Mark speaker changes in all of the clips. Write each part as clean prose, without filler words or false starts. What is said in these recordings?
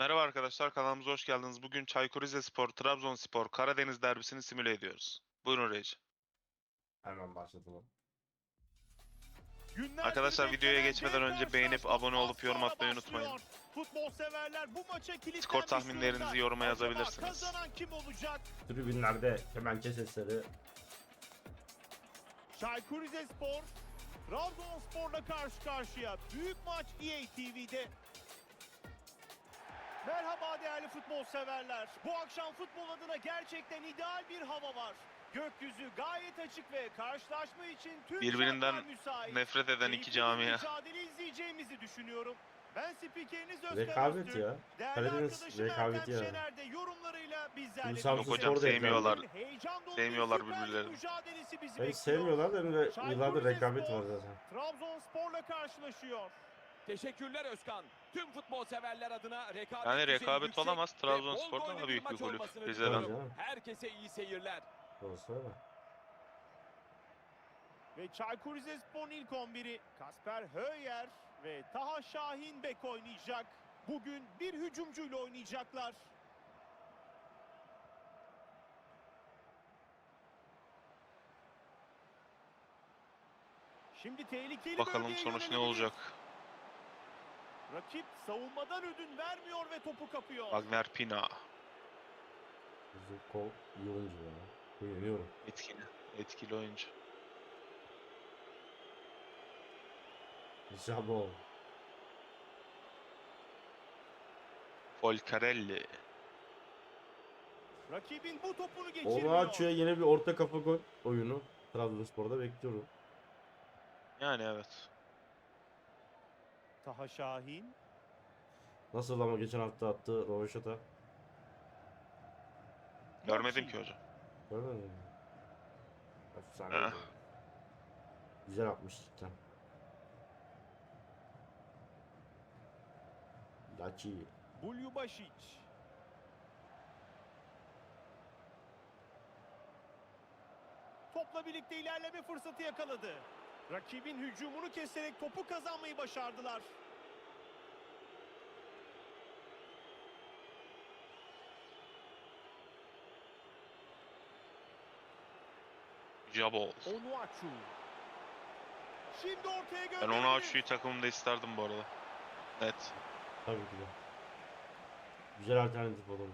Speaker 1: Merhaba arkadaşlar, kanalımıza hoş geldiniz. Bugün Çaykur Rizespor, Trabzonspor, Karadeniz derbisini simüle ediyoruz. Buyurun Reji.
Speaker 2: Hemen başlatalım.
Speaker 3: Günlerdir
Speaker 1: Arkadaşlar videoya
Speaker 3: beklenen
Speaker 1: geçmeden
Speaker 3: dev
Speaker 1: önce beğenip
Speaker 3: karşılaşma
Speaker 1: abone olup
Speaker 3: az
Speaker 1: yorum
Speaker 3: sonra
Speaker 1: atmayı
Speaker 3: başlıyor.
Speaker 1: unutmayın.
Speaker 3: Futbol severler bu maça
Speaker 1: Skor
Speaker 3: kilitlenmiş
Speaker 1: tahminlerinizi
Speaker 3: durumda.
Speaker 1: yoruma
Speaker 3: Acaba
Speaker 1: yazabilirsiniz.
Speaker 3: kazanan kim olacak?
Speaker 2: Tribünlerde kemençe sesleri.
Speaker 3: Çaykur Rizespor, Trabzonspor'la karşı karşıya. Büyük maç EA TV'de. Merhaba değerli futbol severler. Bu akşam futbol adına gerçekten ideal bir hava var. Gökyüzü gayet açık ve karşılaşma için tüm
Speaker 1: Birbirinden
Speaker 3: şartlar müsait.
Speaker 1: nefret eden iki
Speaker 3: Keyifli bir
Speaker 1: camia.
Speaker 3: mücadele izleyeceğimizi düşünüyorum. Ben spikeriniz Özkan
Speaker 2: Rekabet
Speaker 3: Öztürk.
Speaker 2: ya.
Speaker 3: Değerli
Speaker 2: Karadeniz
Speaker 3: arkadaşım
Speaker 2: rekabeti
Speaker 3: Ertem
Speaker 2: ya.
Speaker 3: Şener de yorumlarıyla bizlerle.
Speaker 2: Samsun
Speaker 1: Yok hocam,
Speaker 2: Spor da
Speaker 1: sevmiyorlar.
Speaker 3: Heyecan dolu
Speaker 1: Sevmiyorlar
Speaker 3: bir Süper Lig
Speaker 1: birbirlerini.
Speaker 3: mücadelesi bizi
Speaker 2: Hiç
Speaker 3: bekliyor.
Speaker 2: sevmiyorlar da
Speaker 3: Çaykur
Speaker 2: yıllardır rekabet
Speaker 3: Rizespor,
Speaker 2: var zaten.
Speaker 3: Trabzonspor'la karşılaşıyor.
Speaker 4: Teşekkürler Özkan. Tüm futbol severler adına rekabet
Speaker 1: Yani
Speaker 4: düzeyi
Speaker 1: rekabet
Speaker 4: yüksek
Speaker 1: olamaz.
Speaker 4: ve
Speaker 1: Trabzonspor
Speaker 4: bol
Speaker 1: daha
Speaker 4: gollü
Speaker 1: büyük bir
Speaker 4: maç
Speaker 1: kulüp.
Speaker 4: olmasını
Speaker 1: Rize'den.
Speaker 2: Tabii
Speaker 4: diliyorum.
Speaker 2: canım.
Speaker 4: Herkese iyi seyirler.
Speaker 2: Doğrusu öyle.
Speaker 3: Ve Çaykur Rizespor'un ilk 11'i Kasper Höyer ve Taha Şahin bek oynayacak. Bugün bir hücumcuyla oynayacaklar. Şimdi tehlikeli
Speaker 1: Bakalım
Speaker 3: bölgeye
Speaker 1: sonuç ne
Speaker 3: yönelebilir.
Speaker 1: olacak.
Speaker 3: Rakip savunmadan ödün vermiyor ve topu kapıyor.
Speaker 1: Wagner Pina.
Speaker 2: Zuko iyi oyuncu ya. Beğeniyorum.
Speaker 1: Etkili oyuncu.
Speaker 2: Jabo.
Speaker 1: Folcarelli.
Speaker 3: Rakibin bu topunu
Speaker 2: Onu
Speaker 3: geçirmiyor.
Speaker 2: açıyor, yeni bir orta kafa gol oyunu. Trabzonspor'da bekliyorum.
Speaker 1: Yani evet.
Speaker 3: Taha Şahin.
Speaker 2: Nasıl ama geçen hafta attı Rovaşata.
Speaker 1: Görmedim
Speaker 3: Mochi.
Speaker 1: ki hocam.
Speaker 2: Görmedin mi? Efsane.
Speaker 1: Eh.
Speaker 2: Güzel atmış cidden. Laçi.
Speaker 3: Bulyubasic. Topla birlikte ilerleme fırsatı yakaladı. Rakibin hücumunu keserek topu kazanmayı başardılar.
Speaker 1: Jabol.
Speaker 3: Onuachu. Şimdi ortaya
Speaker 1: Ben
Speaker 3: gönderildi.
Speaker 1: onu Açu'yu takımımda isterdim bu arada. Net.
Speaker 2: Tabii ki de. Güzel alternatif olur.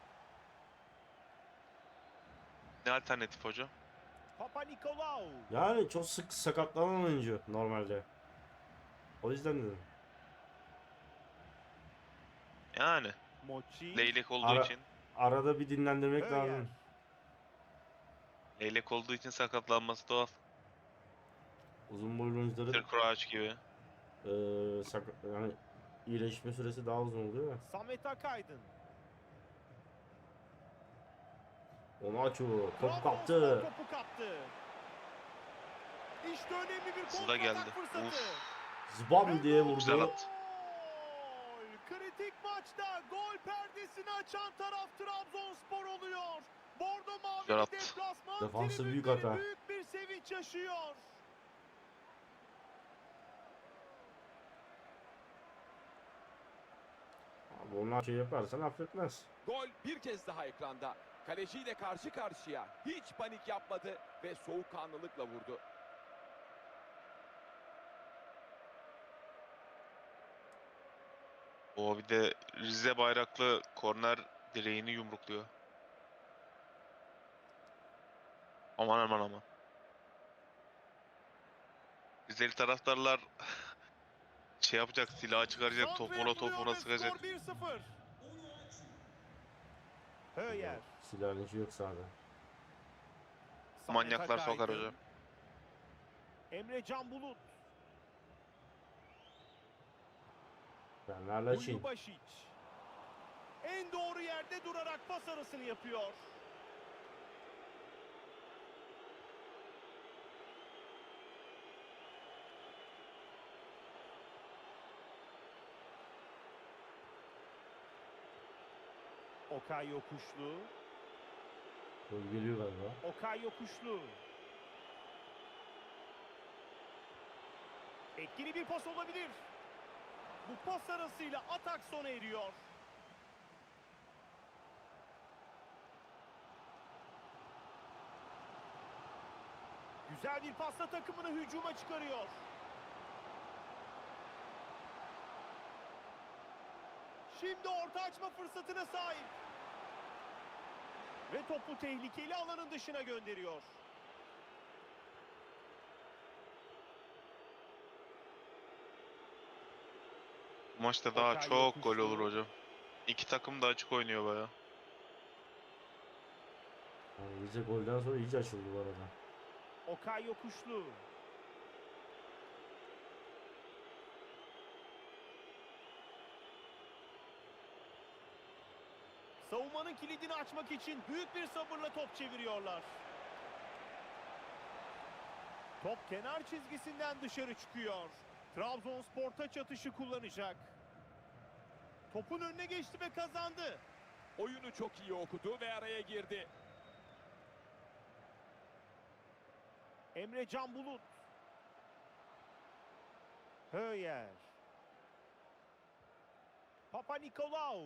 Speaker 1: Ne alternatif hocam?
Speaker 3: Papa Nikolaou.
Speaker 2: Yani çok sık sakatlanan oyuncu normalde. O yüzden dedim.
Speaker 1: Yani.
Speaker 3: Mochi.
Speaker 1: Leylek olduğu
Speaker 2: Ara-
Speaker 1: için.
Speaker 2: Arada bir dinlendirmek
Speaker 3: Höyer.
Speaker 2: lazım.
Speaker 1: Leylek olduğu için sakatlanması doğal.
Speaker 2: Uzun boylu oyuncuların
Speaker 1: Kırkuraç gibi.
Speaker 2: yani iyileşme süresi daha uzun oluyor ya.
Speaker 3: Samet Akaydın.
Speaker 2: Onu açıyor. Topu
Speaker 3: Trabzonspor
Speaker 2: kaptı.
Speaker 3: topu kaptı. İşte önemli bir
Speaker 1: Hızlı da
Speaker 3: kontratak
Speaker 1: geldi.
Speaker 3: fırsatı.
Speaker 1: Uf.
Speaker 2: Zbam diye
Speaker 1: Güzel
Speaker 2: vurdu.
Speaker 1: attı.
Speaker 3: Gol! Kritik maçta gol perdesini açan taraf Trabzonspor oluyor. Bordo
Speaker 1: Güzel
Speaker 3: Mavili
Speaker 1: attı.
Speaker 3: deplasman
Speaker 2: Defansı büyük
Speaker 3: tribünleri
Speaker 2: hata.
Speaker 3: büyük bir sevinç yaşıyor.
Speaker 2: Abi onlar şey yaparsan affetmez.
Speaker 4: Gol bir kez daha ekranda. Kaleciyle karşı karşıya. Hiç panik yapmadı ve soğukkanlılıkla vurdu.
Speaker 1: O bir de Rize bayraklı korner direğini yumrukluyor. Aman aman aman. Rizeli taraftarlar şey yapacak, silahı çıkaracak,
Speaker 3: Santra
Speaker 1: topuna
Speaker 3: yapılıyor ve
Speaker 1: sıkacak.
Speaker 3: skor 1-0. Höyer.
Speaker 2: Silahın işi yok sahada.
Speaker 3: Samet
Speaker 1: Manyaklar sokar
Speaker 3: Akaydın.
Speaker 1: hocam.
Speaker 3: Emre Can Bulut.
Speaker 2: Ben hala Çin.
Speaker 3: Bulyubasic. En doğru yerde durarak pas arasını yapıyor. Okay Yokuşlu.
Speaker 2: Gol geliyor galiba.
Speaker 3: Okay Yokuşlu. Etkili bir pas olabilir. Bu pas arasıyla atak sona eriyor. Güzel bir pasla takımını hücuma çıkarıyor. Şimdi orta açma fırsatına sahip. Ve topu tehlikeli alanın dışına gönderiyor.
Speaker 1: Bu maçta daha
Speaker 3: Okay
Speaker 1: çok gol
Speaker 3: yokuştu.
Speaker 1: olur hocam. İki takım da açık oynuyor baya.
Speaker 2: Yani iyice golden sonra iyice açıldı bu arada.
Speaker 3: Okay yokuşlu. Savunmanın kilidini açmak için büyük bir sabırla top çeviriyorlar. Top kenar çizgisinden dışarı çıkıyor. Trabzonspor taç atışı kullanacak. Topun önüne geçti ve kazandı.
Speaker 4: Oyunu çok iyi okudu ve araya girdi.
Speaker 3: Emre Can Bulut. Höyer. Papa Nikolaou.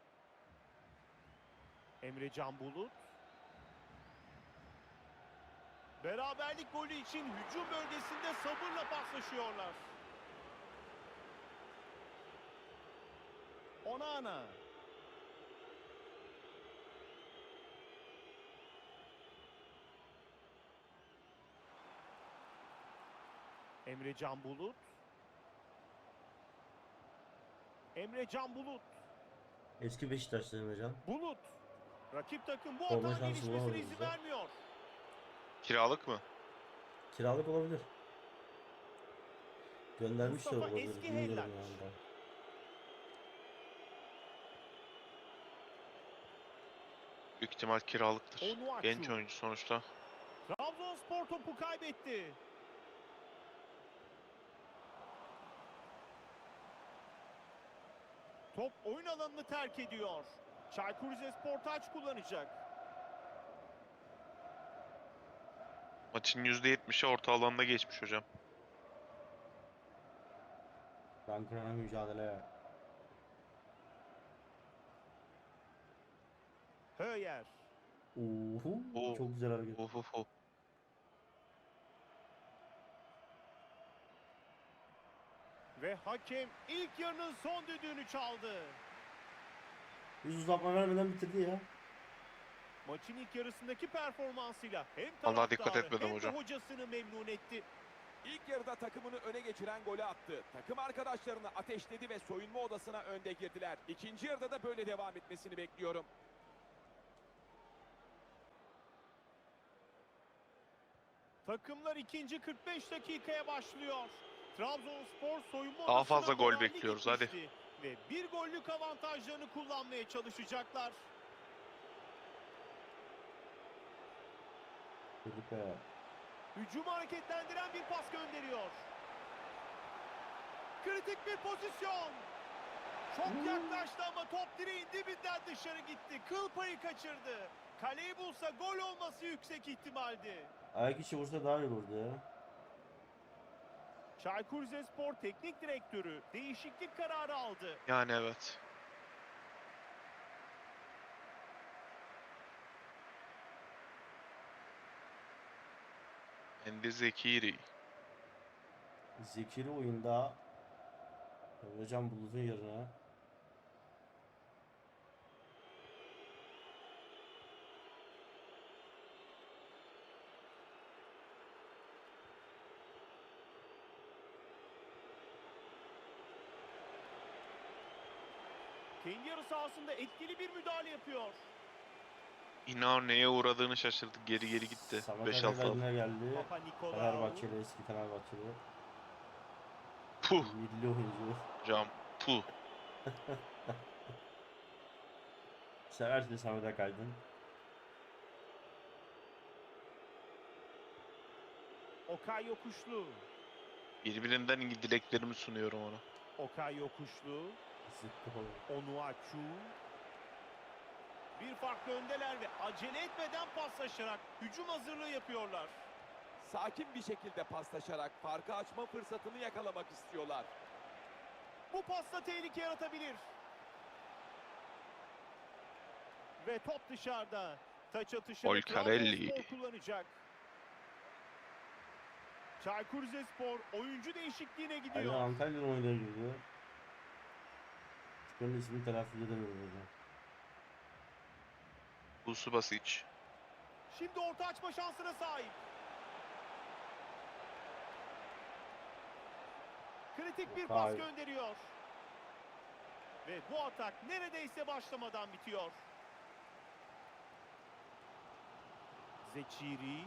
Speaker 3: Emre Can Bulut. Beraberlik golü için hücum bölgesinde sabırla paslaşıyorlar. Onana. Emre Can Bulut. Emre Can Bulut.
Speaker 2: Eski Beşiktaşlı Emrecan.
Speaker 3: Bulut. Rakip takım bu
Speaker 2: Forma
Speaker 3: atağın
Speaker 2: şansı
Speaker 3: gelişmesine
Speaker 2: bulamadı
Speaker 3: izin
Speaker 2: bize.
Speaker 3: vermiyor.
Speaker 1: Kiralık mı?
Speaker 2: Kiralık olabilir. Göndermiş de
Speaker 3: Mustafa
Speaker 2: olabilir.
Speaker 3: Eski
Speaker 2: Bilmiyorum
Speaker 3: Hellaç.
Speaker 2: yani ben.
Speaker 1: Büyük ihtimal kiralıktır.
Speaker 3: Onuachu.
Speaker 1: Genç oyuncu sonuçta.
Speaker 3: Trabzonspor topu kaybetti. Top oyun alanını terk ediyor. Çaykur Rizespor taç kullanacak.
Speaker 1: Maçın %70'i orta alanda geçmiş hocam.
Speaker 2: Rankına mücadele.
Speaker 3: Höyer.
Speaker 2: Uhu.
Speaker 1: Oo.
Speaker 2: Çok güzel hareket.
Speaker 1: Of.
Speaker 3: Ve hakem ilk yarının son düdüğünü çaldı.
Speaker 2: Hiç uzatma vermeden bitirdi ya.
Speaker 3: Maçın ilk yarısındaki performansıyla hem
Speaker 1: Vallahi dikkat
Speaker 3: taraftarı
Speaker 1: etmedim
Speaker 3: hem
Speaker 1: hocam.
Speaker 3: de hocasını memnun etti.
Speaker 4: İlk yarıda takımını öne geçiren golü attı. Takım arkadaşlarını ateşledi ve soyunma odasına önde girdiler. İkinci yarıda da böyle devam etmesini bekliyorum.
Speaker 3: Takımlar ikinci 45 dakikaya başlıyor. Trabzonspor soyunma
Speaker 1: Daha
Speaker 3: odasına
Speaker 1: fazla gol
Speaker 3: moralli
Speaker 1: bekliyoruz, hadi.
Speaker 3: gitmişti. Ve bir gollük avantajlarını kullanmaya çalışacaklar.
Speaker 2: Felipe.
Speaker 3: Hücumu hareketlendiren bir pas gönderiyor. Kritik bir pozisyon. Çok yaklaştı ama top direğin dibinden dışarı gitti. Kıl payı kaçırdı. Kaleyi bulsa gol olması yüksek ihtimaldi.
Speaker 2: Ayak içi vursa daha iyi olurdu ya.
Speaker 3: Çaykur Rizespor Teknik Direktörü değişiklik kararı aldı.
Speaker 1: Yani evet. Endi Zekiri.
Speaker 2: Zekiri oyunda Emrecan Bulut'un yerine
Speaker 3: Kendi yarı sahasında etkili bir müdahale yapıyor.
Speaker 1: İnan neye uğradığını şaşırdı. Geri gitti.
Speaker 2: Samet
Speaker 1: 5-6
Speaker 2: Akaydın'a
Speaker 1: aldı.
Speaker 2: geldi.
Speaker 3: Papa Nikolaou.
Speaker 2: Fenerbahçeli, eski Fenerbahçeli.
Speaker 1: Puh
Speaker 2: Milli oyuncu.
Speaker 1: hocam. Puh.
Speaker 2: Seversin Samet Akaydın.
Speaker 3: Okay Yokuşlu.
Speaker 1: Birbirinden iyi dileklerimi sunuyorum ona.
Speaker 3: Okay Yokuşlu.
Speaker 2: Zıttı falan.
Speaker 3: Onuachu. Bir farklı öndeler ve acele etmeden paslaşarak hücum hazırlığı yapıyorlar.
Speaker 4: Sakin bir şekilde paslaşarak farkı açma fırsatını yakalamak istiyorlar.
Speaker 3: Bu pasla tehlike yaratabilir. Ve top dışarıda. Taç atışını
Speaker 1: Olcarelli.
Speaker 3: Trabzonspor kullanacak. Çaykur Rizespor oyuncu değişikliğine
Speaker 2: Ali
Speaker 3: gidiyor.
Speaker 2: Antalya'nın oyuna girdi. Şuranın ismini telaffuz edemiyorum hocam.
Speaker 1: Tsubasic.
Speaker 3: Şimdi orta açma şansına sahip. Kritik bir pas
Speaker 2: Hayır.
Speaker 3: gönderiyor. Ve bu atak neredeyse başlamadan bitiyor. Zeçiri.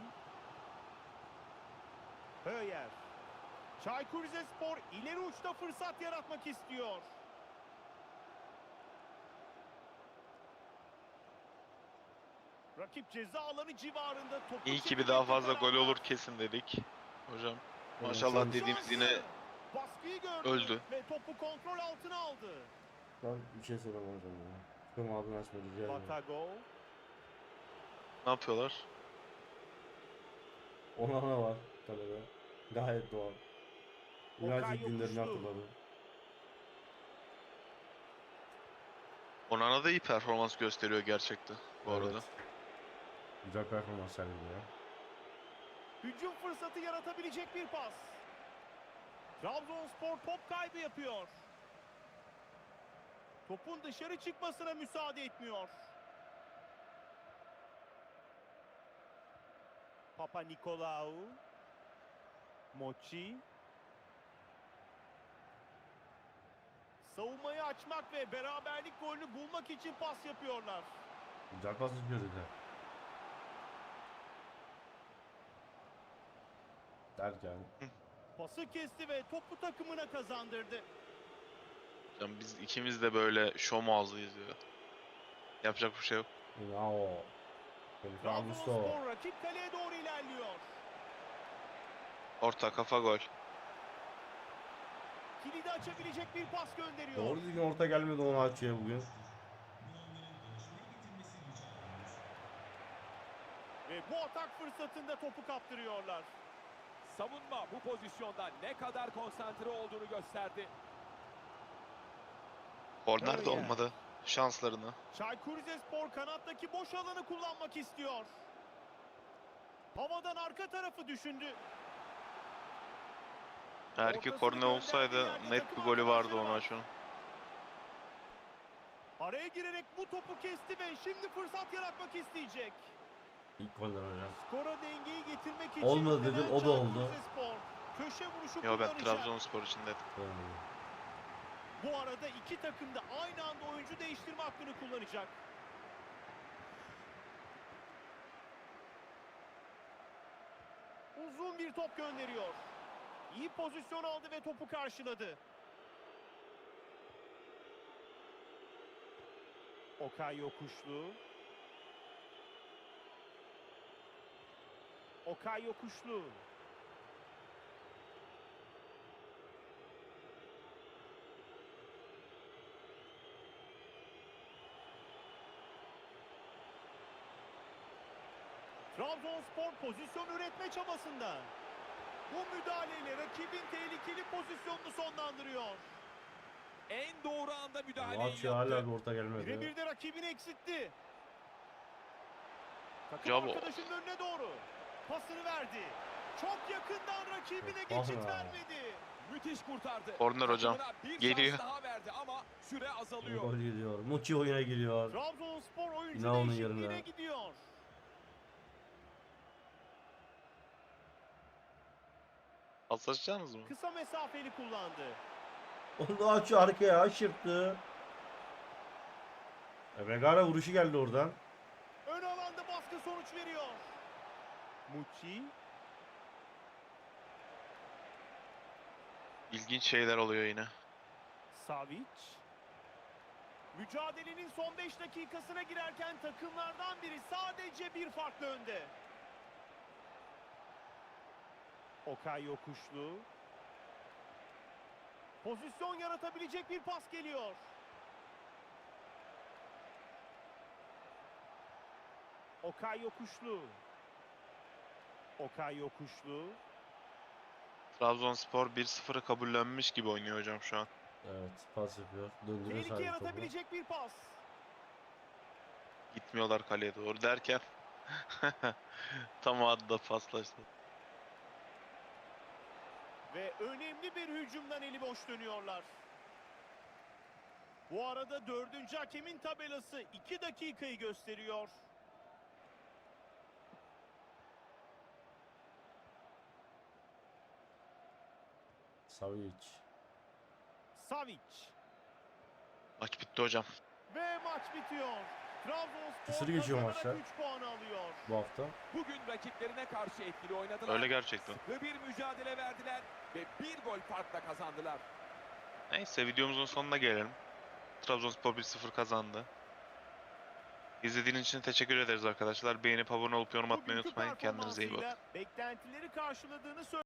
Speaker 3: Höyer. Çaykur Rizespor ileri uçta fırsat yaratmak istiyor. Rakip ceza alanı civarında topu
Speaker 1: İyi ki bir
Speaker 3: çevirmekte
Speaker 1: daha fazla gol
Speaker 3: kararlı.
Speaker 1: olur kesin dedik. Hocam
Speaker 2: Evet,
Speaker 1: maşallah
Speaker 2: sen-
Speaker 1: dediğimiz yine
Speaker 3: Şansı. Baskıyı gördü
Speaker 1: öldü.
Speaker 3: ve topu kontrol altına aldı.
Speaker 2: Ben bir şey söylemem hocam ya. Şuranın ağzını açma rica ederim.
Speaker 3: Batago.
Speaker 1: ne yapıyorlar?
Speaker 2: Onana var kalede. Gayet doğal.
Speaker 3: Okay
Speaker 2: United günlerini
Speaker 3: yokuşlu.
Speaker 2: hatırladım.
Speaker 1: Onana da iyi performans gösteriyor gerçekten bu arada.
Speaker 2: Evet. Güzel performans sergiliyor.
Speaker 3: Hücum fırsatı yaratabilecek bir pas. Trabzonspor top kaybı yapıyor. Topun dışarı çıkmasına müsaade etmiyor. Papa Nikolaou. Mochi. Savunmayı açmak ve beraberlik golünü bulmak için pas yapıyorlar.
Speaker 2: Güzel pas yapıyor dedi. Derken.
Speaker 3: Pası kesti ve topu takımına kazandırdı.
Speaker 1: Hocam biz ikimiz de böyle şom ağzıyız ya. Yapacak bir şey yok.
Speaker 2: Bravo. Felipe Augusto.
Speaker 3: Trabzonspor rakip kaleye doğru ilerliyor.
Speaker 1: Orta kafa gol.
Speaker 3: Kilidi açabilecek bir pas gönderiyor.
Speaker 2: Doğru düzgün orta gelmedi onu açıyor bugün.
Speaker 3: Ve bu atak fırsatında topu kaptırıyorlar.
Speaker 4: Savunma bu pozisyonda ne kadar konsantre olduğunu gösterdi.
Speaker 1: Korner de
Speaker 3: Öyle.
Speaker 1: olmadı. Şanslarını.
Speaker 3: Çaykur Rizespor kanattaki boş alanı kullanmak istiyor. Havadan arka tarafı düşündü.
Speaker 1: Eğer ki
Speaker 3: Ortasını
Speaker 1: korner olsaydı
Speaker 3: gönderdiği yerde
Speaker 1: net bir
Speaker 3: takım
Speaker 1: golü vardı
Speaker 3: arkadaşları
Speaker 1: ona
Speaker 3: var.
Speaker 1: şu an.
Speaker 3: Araya girerek bu topu kesti ve şimdi fırsat yaratmak isteyecek.
Speaker 2: İlk golden hocam.
Speaker 3: Skora dengeyi getirmek için
Speaker 2: Olmadı
Speaker 3: yüklenen
Speaker 2: dedim, o da
Speaker 3: Çaykur
Speaker 2: oldu.
Speaker 3: Rizespor köşe vuruşu
Speaker 1: Yo ben
Speaker 3: kullanacak.
Speaker 1: Trabzonspor için dedim.
Speaker 3: Bu arada iki takım da aynı anda oyuncu değiştirme hakkını kullanacak. Uzun bir top gönderiyor. İyi pozisyon aldı ve topu karşıladı. Okay Yokuşlu. Okay Yokuşlu. Trabzonspor pozisyon üretme çabasında. Bu müdahaleyle rakibin tehlikeli pozisyonunu sonlandırıyor.
Speaker 4: En doğru anda müdahaleyi
Speaker 2: Maçı hala
Speaker 4: yaptı.
Speaker 2: bir orta gelmedi.
Speaker 3: Birebir de rakibini eksitti. Takım
Speaker 1: Bravo.
Speaker 3: arkadaşının önüne doğru. Pasını verdi. Çok yakından rakibine
Speaker 2: Ah
Speaker 3: geçit
Speaker 2: be.
Speaker 3: vermedi.
Speaker 4: Müthiş kurtardı.
Speaker 1: Korner hocam.
Speaker 4: Takımına bir
Speaker 1: Geliyor.
Speaker 4: şans daha verdi ama süre azalıyor.
Speaker 2: Gol geliyor. Muçi oyuna giriyor.
Speaker 3: Trabzonspor oyuncu
Speaker 2: Yine onun
Speaker 3: değişikliğine
Speaker 2: yerine.
Speaker 3: gidiyor.
Speaker 1: Paslaşacaksınız mı?
Speaker 3: Kısa mesafeli kullandı.
Speaker 2: Onu da açıyor arkaya aşırttı. Megara vuruşu geldi oradan.
Speaker 3: Ön alanda baskı sonuç veriyor. Muçi.
Speaker 1: İlginç şeyler oluyor yine.
Speaker 3: Savic. Mücadelenin son 5 dakikasına girerken takımlardan biri sadece bir farklı önde. Okay Yokuşlu. Pozisyon yaratabilecek bir pas geliyor. Okay Yokuşlu. Okay Yokuşlu.
Speaker 1: Trabzonspor 1-0'ı kabullenmiş gibi oynuyor hocam şu an.
Speaker 2: Evet pas yapıyor. Döndürüyor
Speaker 3: Tehlike
Speaker 2: sadece topu.
Speaker 3: yaratabilecek bir pas.
Speaker 1: Gitmiyorlar kaleye doğru derken tam o anda paslaştı.
Speaker 3: Ve önemli bir hücumdan eli boş dönüyorlar. Bu arada 4. hakemin tabelası 2 dakikayı gösteriyor.
Speaker 2: Savic.
Speaker 3: Savic.
Speaker 1: Maç bitti hocam.
Speaker 3: Ve maç bitiyor. Trabzonspor
Speaker 2: Kısır geçiyor
Speaker 3: kazanarak
Speaker 2: maçlar.
Speaker 3: 3 puanı alıyor.
Speaker 2: Bu hafta.
Speaker 4: Bugün rakiplerine karşı etkili oynadılar.
Speaker 1: Öyle gerçekten.
Speaker 4: Sıkı bir mücadele verdiler ve bir gol farkla kazandılar.
Speaker 1: Neyse videomuzun sonuna gelelim. Trabzonspor 1-0 kazandı. İzlediğiniz için teşekkür ederiz arkadaşlar. Beğenip abone olup yorum atmayı
Speaker 3: Bugünkü
Speaker 1: unutmayın. Kendinize iyi bakın.
Speaker 3: performansıyla beklentileri karşıladığını